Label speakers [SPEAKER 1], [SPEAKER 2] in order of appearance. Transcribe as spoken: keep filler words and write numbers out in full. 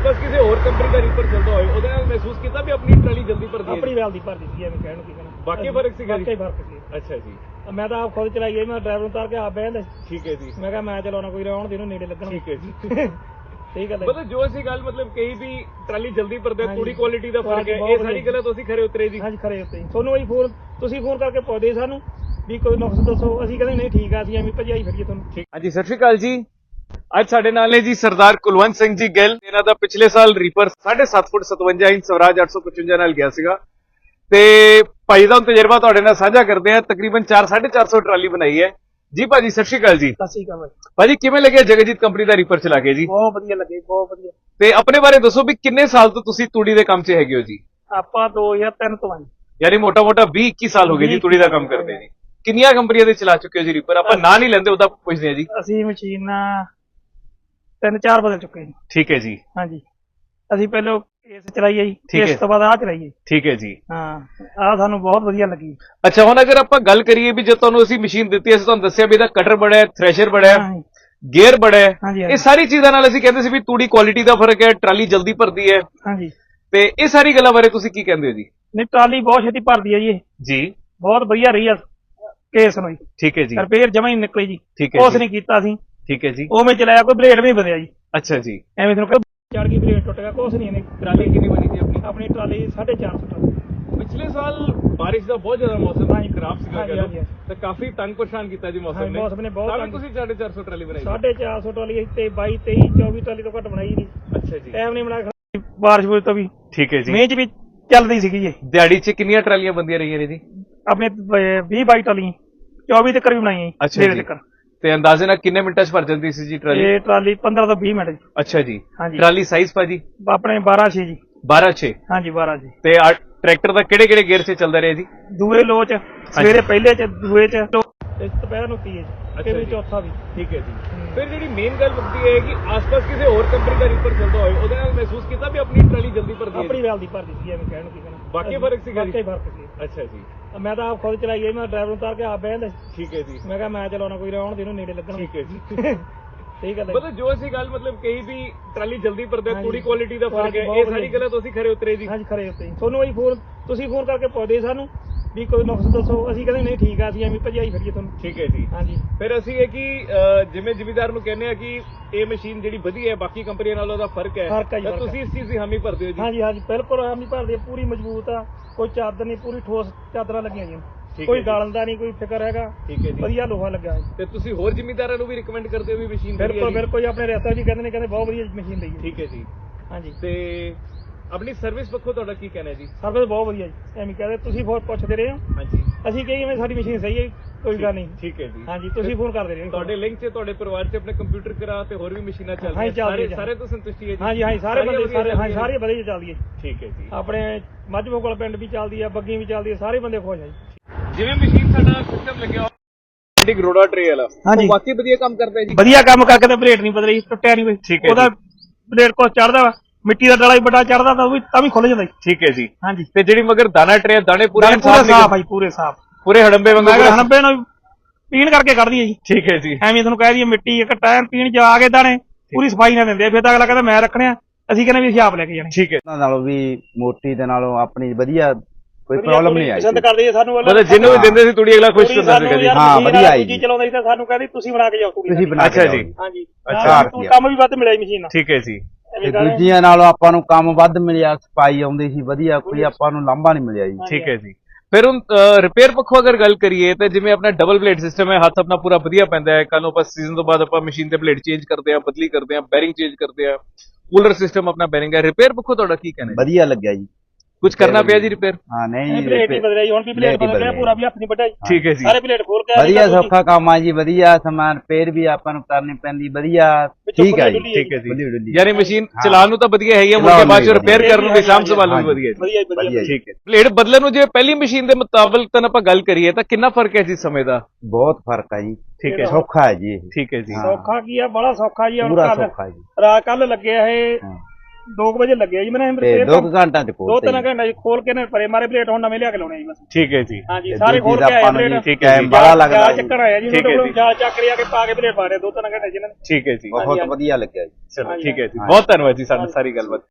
[SPEAKER 1] ਆਸ-ਪਾਸ ਕਿਸੇ ਹੋਰ ਕੰਪਨੀ ਦਾ ਰੀਪਰ ਚੱਲਦਾ ਹੋਵੇ ਉਹਦੇ ਨਾਲ ਮਹਿਸੂਸ ਕੀਤਾ ਵੀ ਆਪਣੀ ਟਰਾਲੀ ਜਲਦੀ ਭਰਦੀ ਹੈ?
[SPEAKER 2] ਆਪਣੀ ਵੈਲ ਦੀ ਭਰਦੀ ਸੀ ਐਵੇਂ ਕਹਿਣ ਨੂੰ ਕੀ ਕਹਿਣਾ।
[SPEAKER 1] ਬਾਕੀ ਫਰਕ ਸੀਗਾ ਜੀ?
[SPEAKER 2] ਬਾਕੀ ਫਰਕ ਸੀ।
[SPEAKER 1] ਅੱਛਾ ਜੀ।
[SPEAKER 2] ਮੈਂ ਤਾਂ ਆਪ ਖੁਦ ਚਲਾਈ ਗਈ, ਮੈਂ ਡਰਾਈਵਰ ਨੂੰ ਉਤਾਰ ਕੇ ਆਪ ਬਹਿ ਜਾਂਦਾ।
[SPEAKER 1] ਠੀਕ ਹੈ ਜੀ।
[SPEAKER 2] ਮੈਂ ਕਿਹਾ ਮੈਂ ਚਲਾਉਣਾ ਕੋਈ ਰਹਿਣ ਦੇ, ਇਹਨੂੰ ਨੇੜੇ ਲੱਗਣਾ।
[SPEAKER 1] ਠੀਕ ਹੈ ਜੀ।
[SPEAKER 2] ਸਹੀ ਗੱਲ ਹੈ।
[SPEAKER 1] ਮਤਲਬ ਜੋ ਅਸੀਂ ਗੱਲ ਮਤਲਬ ਕਹੀ ਵੀ ਟਰਾਲੀ ਜਲਦੀ ਭਰਦੇ ਥੋੜੀ ਕੁਆਲਿਟੀ ਦਾ ਫਰਕ ਹੈ,
[SPEAKER 2] ਬਹੁਤ
[SPEAKER 1] ਇਹ ਸਾਰੀ ਗੱਲਾਂ ਤੁਸੀਂ ਖਰੇ ਉਤਰੇ ਜੀ?
[SPEAKER 2] ਹਾਂਜੀ ਖਰੇ ਉੱਤੇ। ਤੁਹਾਨੂੰ ਅਸੀਂ ਫੋਨ ਤੁਸੀਂ ਫੋਨ ਕਰਕੇ ਪੁੱਛਦੇ ਸਾਨੂੰ ਵੀ ਕੋਈ ਨੁਕਸ ਦੱਸੋ, ਅਸੀਂ ਕਹਿੰਦੇ ਨਹੀਂ ਠੀਕ ਆ, ਅਸੀਂ ਐਵੇਂ ਭਜਾਈ ਫਿਰੀਏ ਤੁਹਾਨੂੰ।
[SPEAKER 1] ਹਾਂਜੀ, ਸਤਿ ਸ਼੍ਰੀ ਅਕਾਲ ਜੀ। ਅੱਜ ਸਾਡੇ ਨਾਲ ਨੇ ਜੀ ਸਰਦਾਰ ਕੁਲਵੰਤ ਸਿੰਘ ਜੀ ਗਿੱਲ। ਇਹਨਾਂ ਦਾ ਪਿਛਲੇ ਸਾਲ ਰੀਪਰ ਸਾਢੇ ਸੱਤ ਫੁੱਟ ਸਤਵੰਜਾ ਇੰਚ ਸਵਰਾਜ ਅੱਠ ਸੌ ਪਚਵੰਜਾ ਨਾਲ ਗਿਆ ਸੀਗਾ ਤੇ ਭਾਈ ਦਾ ਤਜਰਬਾ ਤੁਹਾਡੇ ਨਾਲ ਸਾਂਝਾ ਕਰਦੇ ਆ। ਤਕਰੀਬਨ ਚਾਰ ਸਾਢੇ ਚਾਰ ਸੌ ਟਰਾਲੀ ਬਣਾਈ ਹੈ ਜੀ। ਭਾਜੀ ਸਤਿ ਸ਼੍ਰੀ ਅਕਾਲ ਜੀ।
[SPEAKER 2] ਸਤਿ ਸ਼੍ਰੀ ਅਕਾਲ
[SPEAKER 1] ਭਾਜੀ, ਕਿਵੇਂ ਲੱਗਿਆ ਜਗਜੀਤ ਕੰਪਨੀ ਦਾ ਰੀਪਰ ਚਲਾ ਕੇ ਜੀ?
[SPEAKER 2] ਬਹੁਤ ਵਧੀਆ ਲੱਗੇ, ਬਹੁਤ ਵਧੀਆ।
[SPEAKER 1] ਤੇ ਆਪਣੇ ਬਾਰੇ ਦੱਸੋ ਵੀ ਕਿੰਨੇ ਸਾਲ ਤੋਂ ਤੁਸੀਂ ਤੂੜੀ ਦੇ ਕੰਮ 'ਚ ਹੈਗੇ ਹੋ ਜੀ?
[SPEAKER 2] ਆਪਾਂ ਦੋ ਹਜ਼ਾਰ ਤਿੰਨ ਤੋਂ ਆਏ,
[SPEAKER 1] ਯਾਨੀ ਮੋਟਾ ਮੋਟਾ ਵੀਹ ਇੱਕੀ ਸਾਲ ਹੋ ਗਏ ਜੀ ਤੂੜੀ ਦਾ ਕੰਮ ਕਰਦੇ ਜੀ। ਕਿੰਨੀਆਂ ਕੰਪਨੀਆਂ ਦੇ ਚਲਾ ਚੁੱਕੇ ਹੋ ਜੀ ਰੀਪਰ? ਆਪਾਂ ਨਾਂ ਨਹੀਂ ਲੈਂਦੇ, ਉਹਦਾ ਪੁੱਛਦੇ ਆ ਜੀ।
[SPEAKER 2] ਅਸੀਂ ਮਸ਼ੀਨ ਤਿੰਨ ਚਾਰ ਬਦਲ ਚੁੱਕੇ ਜੀ।
[SPEAKER 1] ਠੀਕ ਹੈ ਜੀ।
[SPEAKER 2] ਹਾਂਜੀ, ਅਸੀਂ ਪਹਿਲਾਂ ਕੇਸ ਚਲਾਈ ਹੈ ਜੀ, ਇਸ ਤੋਂ ਬਾਅਦ ਆਹ ਚਲਾਈ ਹੈ।
[SPEAKER 1] ਠੀਕ ਹੈ ਜੀ।
[SPEAKER 2] ਹਾਂ, ਆਹ ਸਾਨੂੰ ਬਹੁਤ ਵਧੀਆ ਲੱਗੀ।
[SPEAKER 1] ਅੱਛਾ, ਹੁਣ ਅਗਰ ਆਪਾਂ ਗੱਲ ਕਰੀਏ ਵੀ ਜੇ ਤੁਹਾਨੂੰ ਅਸੀਂ ਮਸ਼ੀਨ ਦਿੱਤੀ, ਅਸੀਂ ਤੁਹਾਨੂੰ ਦੱਸਿਆ ਵੀ ਇਹਦਾ ਕਟਰ ਬੜਾ ਹੈ, ਥ੍ਰੈਸ਼ਰ ਬੜਾ ਹੈ, ਗੇਅਰ ਬੜਾ ਹੈ, ਇਹ ਸਾਰੀ ਚੀਜ਼ਾਂ ਨਾਲ ਅਸੀਂ ਕਹਿੰਦੇ ਸੀ ਵੀ ਤੂੜੀ ਕੁਆਲਿਟੀ ਦਾ ਫਰਕ ਹੈ, ਟਰਾਲੀ ਜਲਦੀ ਭਰਦੀ ਹੈ।
[SPEAKER 2] ਹਾਂਜੀ,
[SPEAKER 1] ਤੇ ਇਹ ਸਾਰੀ ਗੱਲਾਂ ਬਾਰੇ ਤੁਸੀਂ ਕੀ ਕਹਿੰਦੇ ਹੋ ਜੀ?
[SPEAKER 2] ਨਹੀਂ, ਟਰਾਲੀ ਬਹੁਤ ਛੇਤੀ ਭਰਦੀ ਹੈ ਜੀ। ਜੀ, ਬਹੁਤ ਵਧੀਆ ਰਹੀ ਆ ਕੇਸ ਨੂੰ। ਠੀਕ ਹੈ ਜੀ। ਰਿਪੇਅਰ ਜਮਾ ਹੀ ਨਿਕਲੀ ਜੀ। ਠੀਕ ਹੈ, ਕੁਛ ਨਹੀਂ ਕੀਤਾ ਸੀ। ਠੀਕ ਹੈ ਜੀ। ਉਵੇਂ ਚਲਾਇਆ, ਕੋਈ ਬਲੇਡ ਵੀ ਨਹੀਂ ਬਦਲਿਆ ਜੀ। ਅੱਛਾ ਜੀ। ਐਵੇਂ ਤੁਹਾਨੂੰ ਚੜ ਗਈ, ਬਲੇਡ ਟੁੱਟ ਗਿਆ, ਕੁਛ ਨਹੀਂ। ਇਹਨੇ ਟਰਾਲੀ ਕਿੰਨੀ ਬਣੀ ਸੀ ਆਪਣੀ? ਆਪਣੀ ਟਰਾਲੀ ਸਾਢੇ ਚਾਰ ਸੌ ਟਨ। ਪਿਛਲੇ ਸਾਲ ਬਾਰਿਸ਼ ਦਾ ਬਹੁਤ ਜ਼ਿਆਦਾ ਮੌਸਮ ਖਰਾਬ ਸੀਗਾ ਤੇ ਕਾਫੀ ਤੰਗ ਪਰੇਸ਼ਾਨ ਕੀਤਾ ਜੀ ਮੌਸਮ ਨੇ। ਮੌਸਮ ਨੇ ਬਹੁਤ ਤੰਗ। ਤੁਸੀਂ ਸਾਢੇ ਚਾਰ ਸੌ ਟਰਾਲੀ ਬਣਾਈ? ਸਾਢੇ ਚਾਰ ਸੌ ਟਰਾਲੀ ਤੇ ਬਾਈ ਤੇਈ ਚੌਵੀ ਟਰਾਲੀ ਤੋਂ ਘੱਟ ਬਣਾਈ ਨਹੀਂ। ਅੱਛਾ ਜੀ। ਟਾਈਮ ਨਹੀਂ ਬਣਾ, ਬਾਰਿਸ਼ ਬੁਰਿਸ਼ ਤੋਂ ਵੀ। ਠੀਕ ਹੈ ਜੀ। ਮੀਂਹ ਚ ਵੀ ਚੱਲਦੀ ਸੀਗੀ ਇਹ। ਦਿਹਾੜੀ ਚ ਕਿੰਨੀਆਂ ਟਰਾਲੀਆਂ ਬੰਦੀਆਂ ਰਹੀਆਂ ਨੇ ਜੀ? ਆਪਣੇ ਵੀਹ ਬਾਈ ਟਰਾਲੀਆਂ, ਚੌਵੀ ਤੱਕ ਵੀ ਬਣਾਈਆਂ। ਅੱਛਾ ਜੀ। ਤੇ ਅੰਦਾਜ਼ੇ ਨਾਲ ਕਿੰਨੇ ਮਿੰਟਾਂ ਚ ਭਰ ਜਾਂਦੀ ਸੀ ਜੀ ਟਰਾਲੀ? ਇਹ ਟਰਾਲੀ ਪੰਦਰਾਂ ਤੋਂ ਵੀਹ ਮਿੰਟ ਜੀ। ਅੱਛਾ ਜੀ। ਹਾਂਜੀ। ਟਰਾਲੀ ਸਾਈਜ਼ ਭਾਜੀ? ਆਪਣੇ ਬਾਰਾਂ ਛੇ ਜੀ। ਬਾਰਾਂ ਛੇ? ਹਾਂਜੀ, ਬਾਰਾਂ ਛੇ। ਤੇ ਟਰੈਕਟਰ ਦਾ ਕਿਹੜੇ ਕਿਹੜੇ ਗੇਅਰ 'ਚ ਚੱਲਦਾ ਰਿਹਾ ਜੀ? ਦੂਏ ਲੋ 'ਚ, ਸਵੇਰੇ ਪਹਿਲੇ 'ਚ, ਦੂਏ 'ਚ, ਦੁਪਹਿਰ ਨੂੰ ਤੀਏ 'ਚ, ਤੇ ਵੀ ਚੌਥਾ ਵੀ। ਠੀਕ ਹੈ ਜੀ। ਫਿਰ ਜਿਹੜੀ ਮੇਨ ਗੱਲ ਮੁੱਕਦੀ ਹੈ ਕਿ ਆਸ-ਪਾਸ ਕਿਸੇ ਹੋਰ ਕੰਪਨੀ ਦਾ ਰੀਪਰ ਚੱਲਦਾ ਹੋਵੇ ਉਹਦੇ ਨਾਲ ਮਹਿਸੂਸ ਕੀਤਾ ਵੀ ਆਪਣੀ ਟਰਾਲੀ ਜਲਦੀ ਭਰਦੀ ਹੈ? ਆਪਣੀ ਵੈਲ ਦੀ ਭਰਦੀ ਸੀ ਐਵੇਂ ਕਹਿਣ ਨੂੰ ਕੀ ਕਹਿਣਾ। ਬਾਕੀ ਫਰਕ ਸੀਗਾ ਜੀ? ਬਾਕੀ ਫਰਕ ਸੀ। ਅੱਛਾ ਜੀ। ਮੈਂ ਤਾਂ ਆਪ ਖੁਦ ਚਲਾਈ ਗਈ, ਮੈਂ ਡਰਾਈਵਰ ਨੂੰ ਉਤਾਰ ਕੇ ਆਪ ਬਹਿ ਜਾਂਦਾ। ਠੀਕ ਹੈ ਜੀ। ਮੈਂ ਕਿਹਾ ਮੈਂ ਚਲਾਉਣਾ ਕੋਈ ਰਹਿਣ ਦੇ, ਇਹਨੂੰ ਨੇੜੇ ਲੱਗਣਾ। ਠੀਕ ਹੈ ਜੀ। ਸਹੀ ਗੱਲ ਹੈ। ਮਤਲਬ ਜੋ ਅਸੀਂ ਗੱਲ ਮਤਲਬ ਕਹੀ ਵੀ ਟਰਾਲੀ ਜਲਦੀ ਭਰਦੇ ਥੋੜੀ ਕੁਆਲਿਟੀ ਦਾ ਫਰਕ ਹੈ, ਇਹ ਸਾਰੀ ਗੱਲਾਂ ਤੁਸੀਂ ਖਰੇ ਉਤਰੇ ਜੀ? ਹਾਂਜੀ ਖਰੇ ਉੱਤੇ। ਤੁਹਾਨੂੰ ਅਸੀਂ ਫੋਨ ਤੁਸੀਂ ਫੋਨ ਕਰਕੇ ਪੁੱਛਦੇ ਸਾਨੂੰ ਵੀ ਕੋਈ ਨੁਕਸ ਦੱਸੋ, ਅਸੀਂ ਕਹਿੰਦੇ ਨਹੀਂ ਠੀਕ ਆ, ਅਸੀਂ ਐਵੇਂ ਭਜਾਈ ਫਿਰੀਏ ਤੁਹਾਨੂੰ। ਠੀਕ ਹੈ ਜੀ। ਹਾਂਜੀ। ਫਿਰ ਅਸੀਂ ਇਹ ਕਿ ਜਿਵੇਂ ਜ਼ਿਮੀਦਾਰ ਨੂੰ ਕਹਿੰਦੇ ਆ ਕਿ ਇਹ ਮਸ਼ੀਨ ਜਿਹੜੀ ਵਧੀਆ ਹੈ, ਬਾਕੀ ਕੰਪਨੀਆਂ ਨਾਲੋਂ ਉਹਦਾ ਫਰਕ ਹੈ, ਤਾਂ ਤੁਸੀਂ ਇਸ ਚੀਜ਼ ਦੀ ਹਾਮੀ ਭਰਦੇ ਹੋ ਜੀ? ਹਾਂਜੀ ਹਾਂਜੀ, ਬਿਲਕੁਲ ਹਾਮੀ ਭਰਦੇ, ਪੂਰੀ ਮਜ਼ਬੂਤ ਆ, ਕੋਈ ਚਾਦਰ ਨਹੀਂ, ਪੂਰੀ ਠੋਸ ਚਾਦਰਾਂ ਲੱਗੀਆਂ ਜੀ। ਕੋਈ ਗਾਲਣ ਦਾ ਨਹੀਂ, ਕੋਈ ਫਿਕਰ ਹੈਗਾ। ਠੀਕ ਹੈ ਜੀ। ਵਧੀਆ ਲੋਹਾ ਲੱਗਾ ਹੈ। ਤੇ ਤੁਸੀਂ ਹੋਰ ਜ਼ਿਮੀਦਾਰਾਂ ਨੂੰ ਵੀ ਰਿਕਮੈਂਡ ਕਰਦੇ ਹੋ ਵੀ ਮਸ਼ੀਨ? ਬਿਲਕੁਲ ਬਿਲਕੁਲ, ਆਪਣੇ ਰਿਸ਼ਤਾ ਜੀ ਕਹਿੰਦੇ ਨੇ, ਕਹਿੰਦੇ ਬਹੁਤ ਵਧੀਆ ਮਸ਼ੀਨ ਲਈ ਹੈ। ਠੀਕ ਹੈ ਜੀ। ਹਾਂਜੀ। ਤੇ ਆਪਣੀ ਸਰਵਿਸ ਪੱਖੋਂ ਤੁਹਾਡਾ ਕੀ ਕਹਿਣਾ ਜੀ? ਸਰਵਿਸ ਬਹੁਤ ਵਧੀਆ ਜੀ। ਐਵੇਂ ਕਹਿੰਦੇ ਤੁਸੀਂ ਬਹੁਤ ਪੁੱਛਦੇ ਰਹੇ ਹੋ। ਹਾਂਜੀ। ਅਸੀਂ ਕਹੀਏ ਸਾਡੀ ਮਸ਼ੀਨ ਸਹੀ ਹੈ, ਕੋਈ ਗੱਲ ਨਹੀਂ। ਠੀਕ ਹੈ ਜੀ। ਹਾਂਜੀ, ਤੁਸੀਂ ਫੋਨ ਕਰਦੇ ਰਹੇ। ਤੁਹਾਡੇ ਲਿੰਕ 'ਚ ਤੁਹਾਡੇ ਪਰਿਵਾਰ 'ਚ ਆਪਣੇ ਕੰਪਿਊਟਰ ਕਰਾ ਤੇ ਹੋਰ ਵੀ ਮਸ਼ੀਨਾਂ ਚੱਲਦੀਆਂ ਸਾਰੇ ਸਾਰੇ ਤੋਂ ਸੰਤੁਸ਼ਟੀ ਹੈ ਜੀ? ਹਾਂਜੀ ਹਾਂਜੀ, ਸਾਰੇ ਬੰਦੇ ਸਾਰੇ ਹਾਂਜੀ ਸਾਰੇ ਵਧੀਆ ਚੱਲਦੀ ਹੈ। ਠੀਕ ਹੈ ਜੀ। ਆਪਣੇ ਮੱਝਮੋ ਕੋਲ ਪਿੰਡ ਵੀ ਚੱਲਦੀ ਆ, ਬੱਗੀ ਵੀ ਚੱਲਦੀ ਹੈ, ਸਾਰੇ ਬੰਦੇ ਖੁਸ਼ ਆ ਜੀ। ਜਿਵੇਂ ਮਸ਼ੀਨ ਸਾਡਾ ਸਿਸਟਮ ਲੱਗਿਆ ਗਰੋੜਾ ਟਰੇ ਵਾਲਾ, ਉਹ ਬਾਕੀ ਵਧੀਆ ਕੰਮ ਕਰਦਾ ਜੀ? ਵਧੀਆ ਕੰਮ ਕਰਕੇ ਤੇ ਬਲੇਡ ਨਹੀਂ ਬਦਲੀ, ਟੁੱਟਿਆ ਨਹੀਂ ਕੋਈ। ਠੀਕ ਹੈ। ਉਹਦਾ ਬਲੇਡ ਕੋਲ ਚੜਦਾ ਵਾ, ਮਿੱਟੀ ਦਾ ਡਲਾ ਵੀ ਵੱਡਾ ਚੜਦਾ ਤਾਂ ਉਹ ਵੀ ਤਾਂ ਵੀ ਖੁੱਲ ਜਾਂਦਾ। ਠੀਕ ਹੈ ਜੀ। ਹਾਂਜੀ। ਤੇ ਜਿਹੜੀ ਮਗਰ ਦਾਣਾ ਟਰੇ, ਦਾਣੇ ਪੂਰੇ ਸਾਫ ਆ ਜੀ, ਪੂਰੇ ਸਾਫ, ਪੂਰੇ ਹੜੰਬੇ ਵਾਂਗੂ? ਹੜੰਬੇ ਨੂੰ ਪੀਣ ਕਰਕੇ ਕੱਢਦੀ ਹੈ ਜੀ। ਠੀਕ ਹੈ ਜੀ। ਐਵੇਂ ਤੁਹਾਨੂੰ ਕਹਿ ਦਈਏ ਮਿੱਟੀ ਇੱਕ ਟਾਈਮ ਪੀਣ ਜਾ ਕੇ ਦਾਣੇ ਪੂਰੀ ਸਫਾਈ ਨਾਲ ਦਿੰਦੇ ਆ, ਫਿਰ ਤਾਂ ਅਗਲਾ ਕਹਿੰਦਾ ਮੈਂ ਰੱਖਣੇ ਆ, ਅਸੀਂ ਕਹਿੰਦੇ ਵੀ ਅਸੀਂ ਆਪ ਲੈ ਕੇ ਜਾਣੇ। ਠੀਕ ਹੈ। ਉਹਨਾਂ ਨਾਲੋਂ ਵੀ ਮੋਟੀ ਦੇ ਨਾਲੋਂ ਆਪਣੀ ਵਧੀਆ, ਕੋਈ ਪ੍ਰੋਬਲਮ ਨਹੀਂ ਆਈ। ਪਸੰਦ ਕਰਦੇ ਸਾਨੂੰ, ਮਤਲਬ ਜਿਹਨੂੰ ਵੀ ਦਿੰਦੇ ਸੀ ਤੂੜੀ ਅਗਲਾ ਖੁਸ਼ ਹੁੰਦਾ ਸੀ ਕਦੀ? ਹਾਂ, ਵਧੀਆ ਆਈ ਜੀ। ਚਲਾਉਂਦਾ ਸੀ ਤਾਂ ਸਾਨੂੰ ਕਹਿੰਦੇ ਤੁਸੀਂ ਬਣਾ ਕੇ ਜਾਓ ਤੂੜੀ। ਤੁਸੀਂ ਬਣਾ ਕੇ ਜਾਓ। ਅੱਛਾ ਜੀ। ਹਾਂਜੀ। ਅੱਛਾ, ਕੰਮ ਵੀ ਵੱਧ ਮਿਲਿਆ ਮਸ਼ੀਨ ਨਾਲ। ਠੀਕ ਹੈ ਜੀ। ਤੇ ਦੂਜੀਆਂ ਨਾਲੋਂ ਆਪਾਂ ਨੂੰ ਕੰਮ ਵੱਧ ਮਿਲਿਆ, ਸਫਾਈ ਆਉਂਦੀ ਸੀ ਵਧੀਆ, ਕੋਈ ਆਪਾਂ ਨੂੰ ਲਾਂਭਾ ਨਹੀਂ ਮਿਲਿਆ ਜੀ। ਠੀਕ ਹੈ ਜੀ। ਫਿਰ ਹੁਣ ਰਿਪੇਅਰ ਪੱਖੋਂ ਅਗਰ ਗੱਲ ਕਰੀਏ ਤਾਂ ਜਿਵੇਂ ਆਪਣਾ ਡਬਲ ਬਲੇਡ ਸਿਸਟਮ ਹੈ, ਹੱਥ ਆਪਣਾ ਪੂਰਾ ਵਧੀਆ ਪੈਂਦਾ ਹੈ। ਕੱਲ ਨੂੰ ਆਪਾਂ ਸੀਜ਼ਨ ਤੋਂ ਬਾਅਦ ਆਪਾਂ ਮਸ਼ੀਨ ਤੇ ਬਲੇਡ ਚੇਂਜ ਕਰਦੇ ਆ, ਬਦਲੀ ਕਰਦੇ ਆ, ਬੈਰਿੰਗ ਚੇਂਜ ਕਰਦੇ ਆ, ਕੂਲਰ ਸਿਸਟਮ ਆਪਣਾ ਬੈਰਿੰਗ ਹੈ। ਰਿਪੇਅਰ ਪੱਖੋਂ ਤੁਹਾਡਾ ਕੀ ਕਹਿਣਾ? ਵਧੀਆ ਲੱਗਿਆ ਜੀ। ਕੁਝ ਕਰਨਾ ਪਿਆ ਜੀ ਰਿਪੇਅਰ? ਹਾਂ, ਨਹੀਂ ਪਲੇਟ ਨਹੀਂ ਬਦਲਿਆ ਜੀ, ਹੁਣ ਵੀ ਪਲੇਟ ਬਦਲ ਗਿਆ, ਪੂਰਾ ਵੀ ਹੱਥ ਨਹੀਂ ਵੱਡਾ ਜੀ। ਠੀਕ ਹੈ ਜੀ। ਸਾਰੇ ਪਲੇਟ ਖੋਲ ਕੇ ਵਧੀਆ ਸੌਖਾ ਕੰਮ ਆ ਜੀ, ਵਧੀਆ ਸਮਾਨ ਰਿਪੇਅਰ ਵੀ ਆਪਾਂ ਨੂੰ ਕਰਨੀ ਪੈਂਦੀ, ਵਧੀਆ। ਠੀਕ ਹੈ ਜੀ। ਠੀਕ ਹੈ ਜੀ। ਯਾਨੀ ਮਸ਼ੀਨ ਚਲਾਉਣ ਨੂੰ ਤਾਂ ਵਧੀਆ ਹੈ ਹੀ, ਮੁੜ ਕੇ ਬਾਅਦ ਚ ਰਿਪੇਅਰ ਕਰਨ ਨੂੰ ਸਾਂਭ ਸੰਭਾਲ ਨੂੰ ਵਧੀਆ ਜੀ। ਠੀਕ ਹੈ। ਪਲੇਟ ਬਦਲਣ ਨੂੰ ਜੇ ਪਹਿਲੀ ਮਸ਼ੀਨ ਦੇ ਮੁਤਾਬਕ ਤਾਂ ਆਪਾਂ ਗੱਲ ਕਰੀਏ ਤਾਂ ਕਿੰਨਾ ਫਰਕ ਹੈ ਜੀ ਸਮੇਂ ਦਾ? ਬਹੁਤ ਫਰਕ ਹੈ ਜੀ। ਠੀਕ ਹੈ। ਸੌਖਾ ਹੈ ਜੀ। ਠੀਕ ਹੈ ਜੀ। ਸੌਖਾ ਕੀ ਆ, ਬੜਾ ਸੌਖਾ ਜੀ। ਪੂਰਾ ਸੌਖਾ ਜੀ। ਰਾਤ ਕੱਲ ਲੱਗਿਆ ਇਹ ਦੋ ਵਜੇ ਲੱਗਿਆ ਜੀ ਮੈਨੂੰ
[SPEAKER 3] ਤੇ ਦੋ ਕੁ ਘੰਟਿਆਂ ਚ
[SPEAKER 2] ਦੋ
[SPEAKER 3] ਖੋਲਤੇ
[SPEAKER 2] ਤਿੰਨ ਘੰਟੇ ਖੋਲ ਕੇ ਨੇ ਪਰੇ ਮਾਰੇ ਪਲੇਟ ਹੁਣ ਨਵੇਂ ਲਿਆ ਕੇ ਲਾਉਣੇ ਜੀ ਬਸ
[SPEAKER 1] ਠੀਕ ਹੈ ਜੀ
[SPEAKER 2] ਹਾਂਜੀ ਸਾਰੇ ਖੋਲ ਕੇ ਆਏ ਪਲੇਟ
[SPEAKER 1] ਠੀਕ ਹੈ ਜੀ
[SPEAKER 3] ਬੜਾ ਲੱਗਦਾ
[SPEAKER 2] ਜਾਲ ਚੱਕਰ ਆਇਆ ਜੀ ਉਹਨਾਂ ਕੋਲ ਜਾਲ ਚੱਕ ਲਿਆ ਕੇ ਪਾ ਕੇ ਪਲੇਟ ਪਾ ਰਹੇ ਦੋ ਤਿੰਨ ਘੰਟੇ ਜਿਹਨਾਂ ਨੇ
[SPEAKER 1] ਠੀਕ ਹੈ ਜੀ
[SPEAKER 3] ਬਹੁਤ ਵਧੀਆ ਲੱਗਿਆ ਜੀ
[SPEAKER 1] ਚਲੋ ਠੀਕ ਹੈ ਜੀ ਬਹੁਤ ਧੰਨਵਾਦ ਜੀ ਸਾਨੂੰ ਸਾਰੀ ਗੱਲਬਾਤ